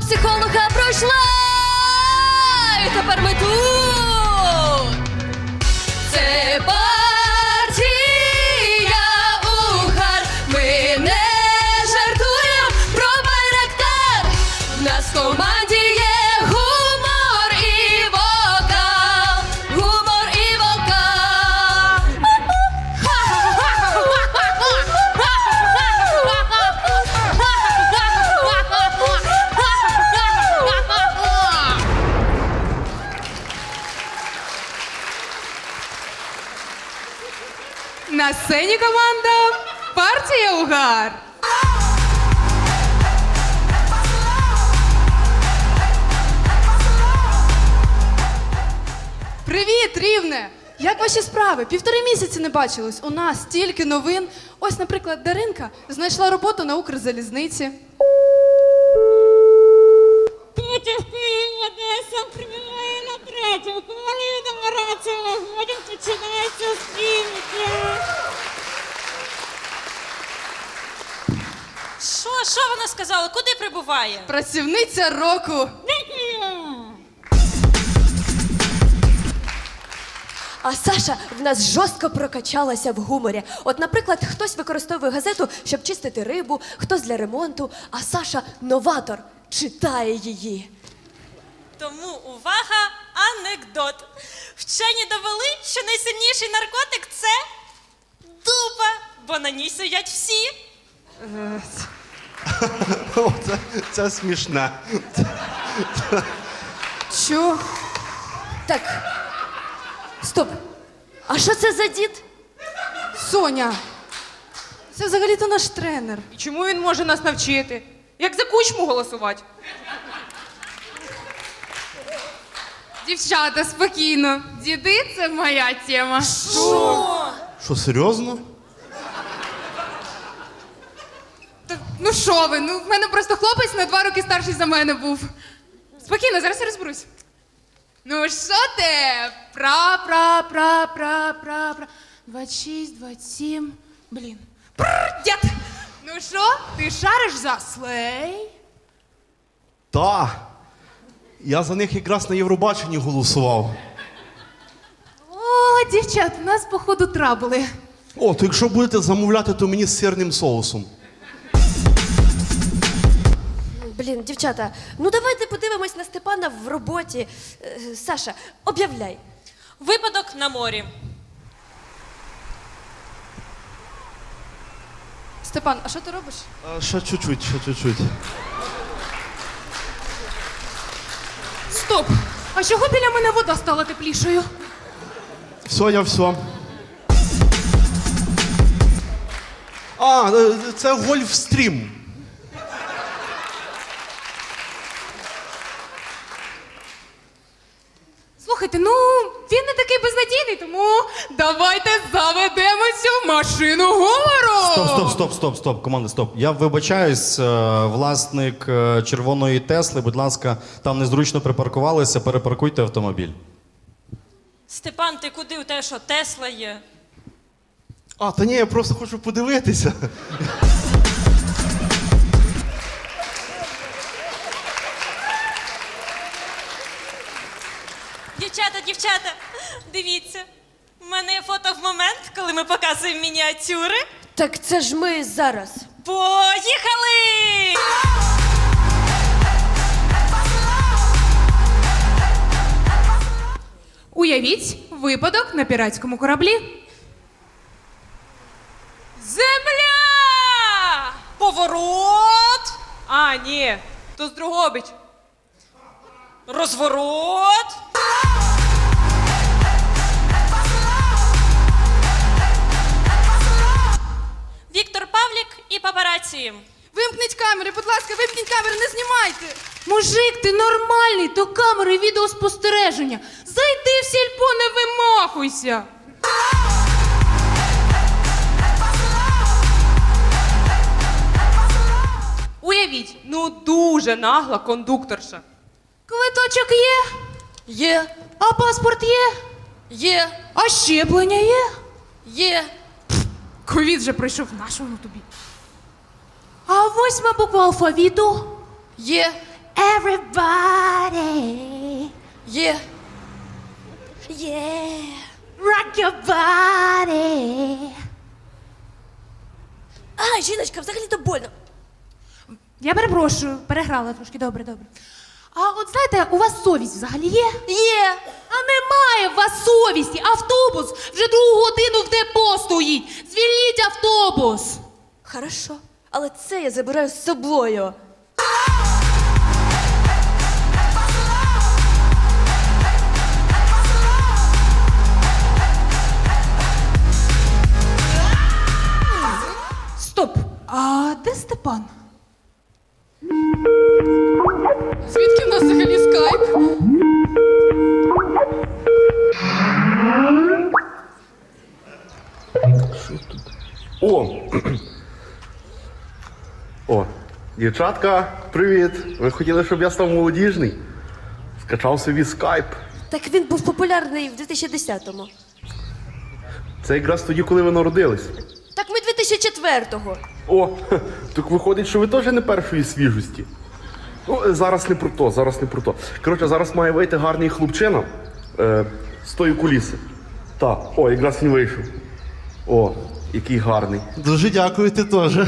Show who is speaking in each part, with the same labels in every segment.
Speaker 1: психолога пройшла, і тепер ми тут. Це партія Угар. Ми не жартуємо про Байрактар. В нас в команді є гумор і вокал. Гумор і вокал.
Speaker 2: На сцені команда партія Угар. Привіт, Рівне! Як ваші справи? 1,5 місяці не бачились. У нас стільки новин. Ось, наприклад, Даринка знайшла роботу на Укрзалізниці.
Speaker 3: Петя в Києві, Одеса прибігає на третю. Коли відомирацію виходять, починається співки.
Speaker 4: Що вона сказала? Куди прибуває?
Speaker 2: Працівниця року.
Speaker 1: А Саша в нас жорстко прокачалася в гуморі. От, наприклад, хтось використовує газету, щоб чистити рибу, хтось для ремонту, а Саша – новатор, читає її.
Speaker 4: Тому увага, анекдот. Вчені довели, що найсильніший наркотик – це дупа, бо на ній сидять всі.
Speaker 5: О, це смішне.
Speaker 2: Що?
Speaker 1: Так, стоп. А що це за дід?
Speaker 2: Соня, це взагалі-то наш тренер.
Speaker 6: І чому він може нас навчити? Як за Кучму голосувати?
Speaker 2: Дівчата, спокійно. Діди – це моя тема.
Speaker 5: Що, серйозно?
Speaker 2: Ну що ви, в мене просто хлопець на 2 роки старший за мене був. Спокійно, зараз я розберусь. Ну що ти? Пра. 26, 27, блін. Дід! Ну що, ти шариш за слей?
Speaker 5: Та. Я за них якраз на Євробаченні голосував.
Speaker 2: О, дівчат, у нас, походу, трабли.
Speaker 5: О, то якщо будете замовляти, то мені з сирним соусом.
Speaker 1: Блін, дівчата, ну давайте подивимось на Степана в роботі. Саша, об'являй.
Speaker 4: Випадок на морі.
Speaker 2: Степан, а що ти робиш?
Speaker 5: Ще чуть-чуть.
Speaker 2: Стоп! А чого біля мене вода стала теплішою?
Speaker 5: Все. А, це Гольфстрім.
Speaker 2: Слухайте, він не такий безнадійний, тому давайте заведемо цю машину гумору!
Speaker 7: Стоп, команда, стоп. Я вибачаюсь, власник червоної Тесли, будь ласка, там незручно припаркувалися, перепаркуйте автомобіль.
Speaker 4: Степан, ти куди? У тебе що, Тесла є?
Speaker 5: А, та ні, я просто хочу подивитися.
Speaker 4: Дівчата, дивіться. У мене є фото в момент, коли ми показуємо мініатюри.
Speaker 1: Так це ж ми зараз.
Speaker 4: Поїхали!
Speaker 2: Уявіть випадок на піратському кораблі.
Speaker 6: Земля!
Speaker 4: Поворот!
Speaker 6: А, ні, то з Дрогобич.
Speaker 4: Розворот! Віктор Павлік і папараці.
Speaker 2: Вимкніть камери, будь ласка, вимкніть камери, не знімайте! Мужик, ти нормальний, то камери відеоспостереження. Зайди в сільпо, не вимахуйся!
Speaker 6: Уявіть, дуже нагла кондукторша.
Speaker 2: Квиточок є?
Speaker 1: Є,
Speaker 2: А паспорт є?
Speaker 1: є,
Speaker 2: А щеплення є?
Speaker 1: є.
Speaker 2: Ковід же прийшов, на що воно тобі? А 8 буква алфавіту?
Speaker 1: Є.
Speaker 2: Everybody,
Speaker 1: Є.
Speaker 2: rock your body.
Speaker 1: Ай, жіночка, взагалі-то больно.
Speaker 2: Я перепрошую, переграла трошки, добре. А от знаєте, у вас совість взагалі є?
Speaker 1: Є.
Speaker 2: А немає у вас совісті. Автобус вже 2 годину в депо стоїть. Звільніть автобус.
Speaker 1: Хорошо, але це я забираю з собою.
Speaker 2: Стоп. А де Степан? Звідки в нас взагалі скайп?
Speaker 5: О! О, дівчатка, привіт! Ви хотіли, щоб я став молодіжний? Скачав собі скайп.
Speaker 1: Так він був популярний в 2010-му.
Speaker 5: Це якраз тоді, коли ви народились.
Speaker 1: Так ми 2004-го.
Speaker 5: О, так виходить, що ви теж не першої свіжості. Ну, зараз не про то. Коротше, зараз має вийти гарний хлопчина з тої куліси. Так, о, якраз він вийшов. О, який гарний. Дуже дякую, ти теж.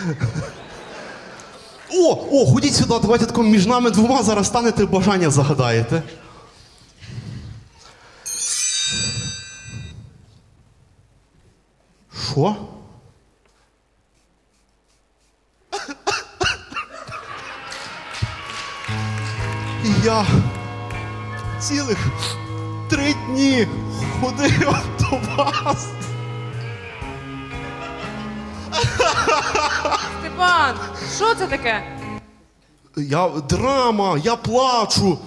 Speaker 5: О, ходіть сюди, давайте тако між нами двома зараз станете, бажання загадаєте. Що? Я цілих 3 дні ходив до вас.
Speaker 6: Степан, що це таке?
Speaker 5: Драма, я плачу.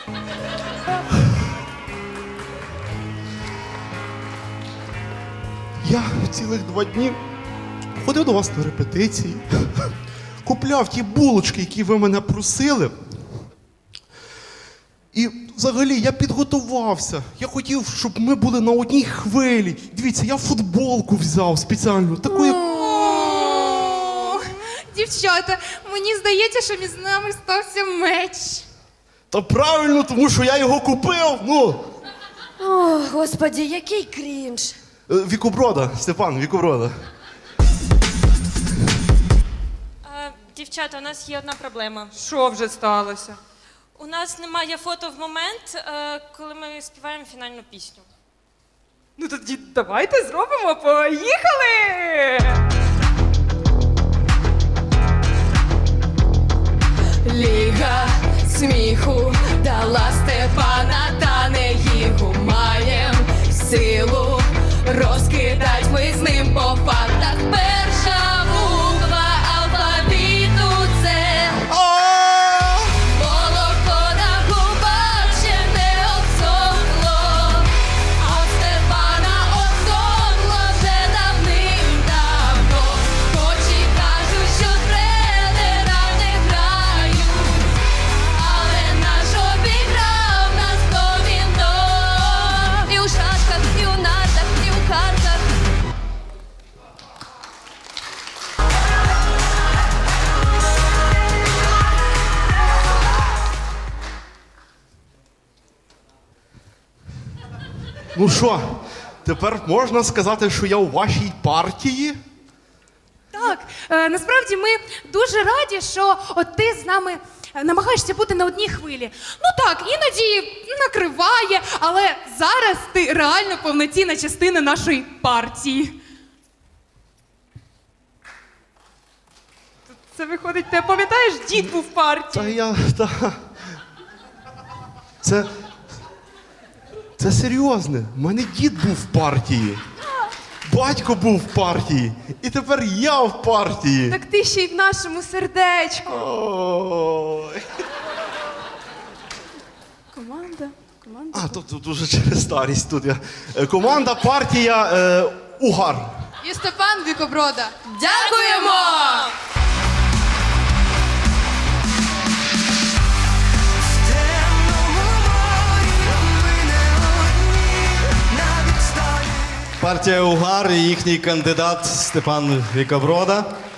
Speaker 5: Я цілих 2 дні ходив до вас на репетиції, купляв ті булочки, які ви мене просили. І взагалі я підготувався. Я хотів, щоб ми були на одній хвилі. Дивіться, я футболку взяв спеціально, таку як...
Speaker 2: О, дівчата, мені здається, що між нами стався меч.
Speaker 5: Та правильно, тому що я його купив. Ну,
Speaker 1: О, господі, який крінж.
Speaker 5: Вікоброда, Степан, Вікоброда.
Speaker 4: Дівчата, у нас є одна проблема.
Speaker 6: Що вже сталося?
Speaker 4: У нас немає фото в момент, коли ми співаємо фінальну пісню.
Speaker 6: Ну тоді давайте зробимо. Поїхали!
Speaker 2: Ліга сміху дала Степана, та не їху. Маєм силу розкидать ми з ним по фактах. Перша буква алфавіту – це молоко на губах ще не обсохло, а в Степана обсохло вже давним-давно. Хоч і кажуть, що тренера не грають, але наш обіграв нас повідно. І у шашках, і у нартах, і у картах.
Speaker 5: Ну що, тепер можна сказати, що я у вашій партії?
Speaker 2: Так, насправді ми дуже раді, що от ти з нами намагаєшся бути на одній хвилі. Ну так, іноді накриває, але зараз ти реально повноцінна частина нашої партії.
Speaker 6: Це виходить, ти пам'ятаєш, дід був в партії.
Speaker 5: Це серйозне. У мене дід був в партії. Батько був в партії. І тепер я в партії.
Speaker 2: Так ти ще й в нашому сердечку.
Speaker 5: Ой.
Speaker 2: Команда.
Speaker 5: А, тут дуже через старість тут я. Команда, партія, Угар.
Speaker 2: І Степан Вікоброда. Дякуємо!
Speaker 7: Партія Угар і їхній кандидат Степан Вікоброда.